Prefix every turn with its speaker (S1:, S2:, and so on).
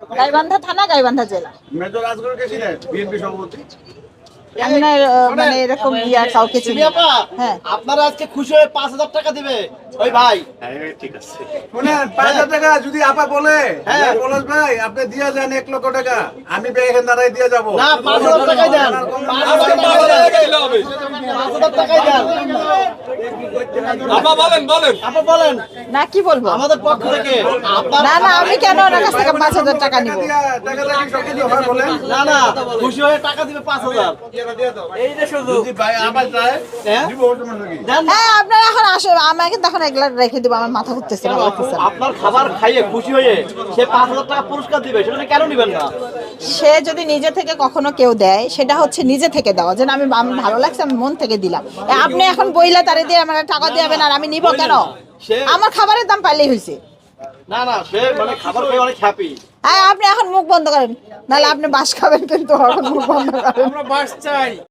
S1: গাইবান্ধা থানা, গাইবান্ধা জেলা।
S2: মেজর রাজগড় কে চিনেন? বিএনপি সভাপতি।
S1: মানে এরকম ইয়া কাউকে চিনি না। হ্যাঁ,
S3: আপনারা আজকে খুশি হয়ে 5,000 টাকা দিবে ওই ভাই।
S2: ঠিক আছে শুনেন, 5,000 টাকা যদি আপা বলে,
S3: হ্যাঁ
S2: পলাশ ভাই আপনি দিয়ে যান 1 লক্ষ টাকা, আমি এখান দাঁড়াই দিয়ে যাবো।
S3: না 5,000 টাকাই দেন, 5,000 টাকাই দেন।
S4: আপা বলেন
S3: আপনি বলেন
S1: না কি বলবো?
S3: আমাদের পক্ষ থেকে
S1: না না, আমি কেন ওনার কাছ থেকে 5,000 টাকা নিব?
S2: টাকা দিয়ে কি সবকিছু হয় বলেন?
S3: না না খুশি হয়ে টাকা দিবে 5,000। এই যে শুধু
S2: যদি ভাই আবার যায়
S3: হ্যাঁ?
S2: দিব, সমস্যা কি?
S3: দেন।
S1: হ্যাঁ, আপনারা এখন আসে, আমাকে তখন এগুলা রেখে দিব, আমার মাথা ঘুরতেছে না।
S3: আপনার খাবার খাইয়ে খুশি হয়ে সে 5,000 টাকা পুরস্কার দিবে, সেটা কেন নিবেন না?
S1: সে যদি নিজে থেকে কখনো কেউ দেয়, সেটা হচ্ছে নিজে থেকে দেওয়া, যেন আমি ভালো লাগছে, আমি মন থেকে দিলাম। আপনি এখন বইলা তারে দিয়ে আমার টাকা দিবেন আর আমি নিব কেন? আমার খাবারের দাম পাইলেই হয়েছে।
S3: না না সে মানে খাবার খেয়ে অনেক হ্যাপি।
S1: হ্যাঁ, আপনি এখন মুখ বন্ধ করেন, নাহলে আপনি বাস খাবেন, কিন্তু এখন মুখ বন্ধ করেন।
S4: আমরা বাস চাই।